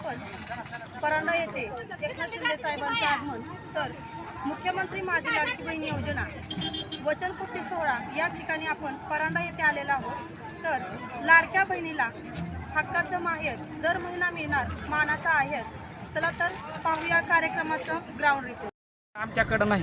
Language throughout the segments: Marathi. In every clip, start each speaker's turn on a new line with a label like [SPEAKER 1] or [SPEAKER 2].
[SPEAKER 1] आपण परांडा येथे एकनाथ शिंदे साहेबांचं आगमन तर मुख्यमंत्री माझी लाडकी बहीण योजना वचनपूर्ती सोहळा या ठिकाणी आपण परांडा येथे आलेला आहोत। तर लाडक्या बहिणीला हक्काचं माहेर दर महिना मिळणार मानाचा आहेर। चला तर पाहूया कार्यक्रमाचं ग्राउंड रिपोर्ट।
[SPEAKER 2] आमच्याकडे नाही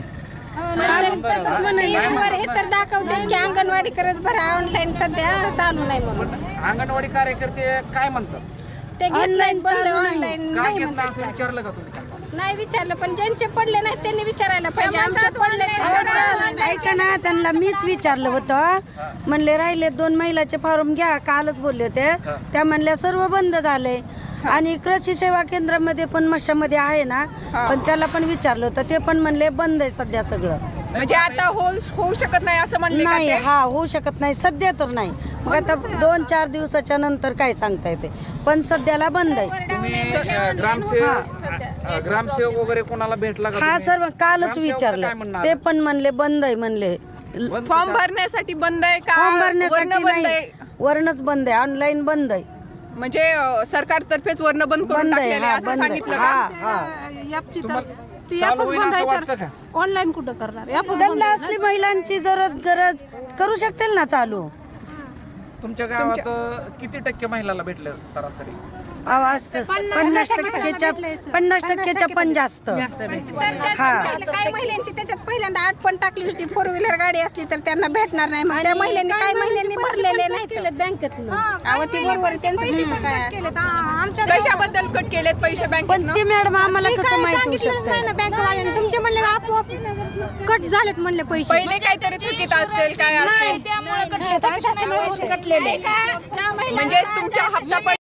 [SPEAKER 3] हे तर दाखवते की अंगणवाडी करच भरा ऑनलाईन सध्या चालू नाही म्हणून।
[SPEAKER 2] अंगणवाडी कार्यकर्ते काय म्हणतात
[SPEAKER 3] ते ऑनलाईन बंद ऑनलाईन
[SPEAKER 2] काय
[SPEAKER 3] नाही
[SPEAKER 2] घेत
[SPEAKER 3] म्हणतात।
[SPEAKER 2] असं विचारलं का तुम्ही?
[SPEAKER 3] नाही विचारलं पण ज्यांचे पडले नाही त्यांनी विचारायला पाहिजे। आमचे पडले
[SPEAKER 4] ऐका ना, त्यांना मीच विचारलं होतं, म्हणले राहिले 2 महिलाचे फॉर्म घ्या, कालच बोलले होते। त्या म्हणल्या सर्व बंद झाले आणि कृषी सेवा केंद्रामध्ये पण मशामध्ये आहे ना, पण त्याला पण विचारलं होतं, ते पण म्हणले बंद आहे सध्या सगळं।
[SPEAKER 5] म्हणजे आता होऊ शकत नाही असं म्हणले
[SPEAKER 4] नाही, हा होऊ शकत नाही सध्या तर नाही। मग आता 2-4 दिवसाच्या नंतर काय सांगता येते, पण सध्याला बंद आहे।
[SPEAKER 2] तुम्ही ग्रामसेवक वगैरे कोणाला भेटला का
[SPEAKER 4] हा
[SPEAKER 2] तुम्ही?
[SPEAKER 4] सर्व कालच
[SPEAKER 2] ग्रामसेवक काय
[SPEAKER 4] विचारलं,
[SPEAKER 2] म्हणणार?
[SPEAKER 4] ते पण म्हणले बंद आहे म्हणले।
[SPEAKER 5] फॉर्म भरण्यासाठी बंद आहे का?
[SPEAKER 4] फॉर्म
[SPEAKER 5] वरनं
[SPEAKER 4] भरण्यासाठी
[SPEAKER 5] बंद
[SPEAKER 4] नाही,
[SPEAKER 5] आहे?
[SPEAKER 4] वरणच बंद आहे, ऑनलाईन बंद आहे।
[SPEAKER 5] म्हणजे सरकारतर्फेच वरनं बंद करून
[SPEAKER 4] बंद आहे,
[SPEAKER 5] टाकलेलं आहे
[SPEAKER 4] हा
[SPEAKER 5] असं
[SPEAKER 4] बंद आहे,
[SPEAKER 5] सांगितलं
[SPEAKER 4] हा
[SPEAKER 5] का?
[SPEAKER 4] हा।
[SPEAKER 2] चालू होईल असं वाटतं का?
[SPEAKER 3] ऑनलाईन कुठं करणार
[SPEAKER 4] त्यांना असली महिलांची गरज करू शकतील ना चालू।
[SPEAKER 2] तुमच्या गावात किती टक्के महिलाला भेटले सरासरी?
[SPEAKER 4] 50% पण जास्त।
[SPEAKER 3] काही महिलांची त्याच्यात पहिल्यांदा 8 पण टाकली होती, 4 व्हीलर गाडी असली तर त्यांना भेटणार नाही। मग त्या महिलांनी काही महिलांनी भरलेले नाही बँकेत ती बरोबर त्यांचं काय
[SPEAKER 5] कशाबद्दल कट केलेत पैसे
[SPEAKER 4] पण
[SPEAKER 5] बँकेत?
[SPEAKER 4] ते मॅडम आम्हाला कसं माहिती होऊ शकतं?
[SPEAKER 3] बँकवाल्यांनी तुमचे म्हणले आपोआप कट झालेत म्हणले पैसे।
[SPEAKER 5] पहिले काहीतरी चुकीत असतील काय असेल म्हणजे तुमच्या हप्ता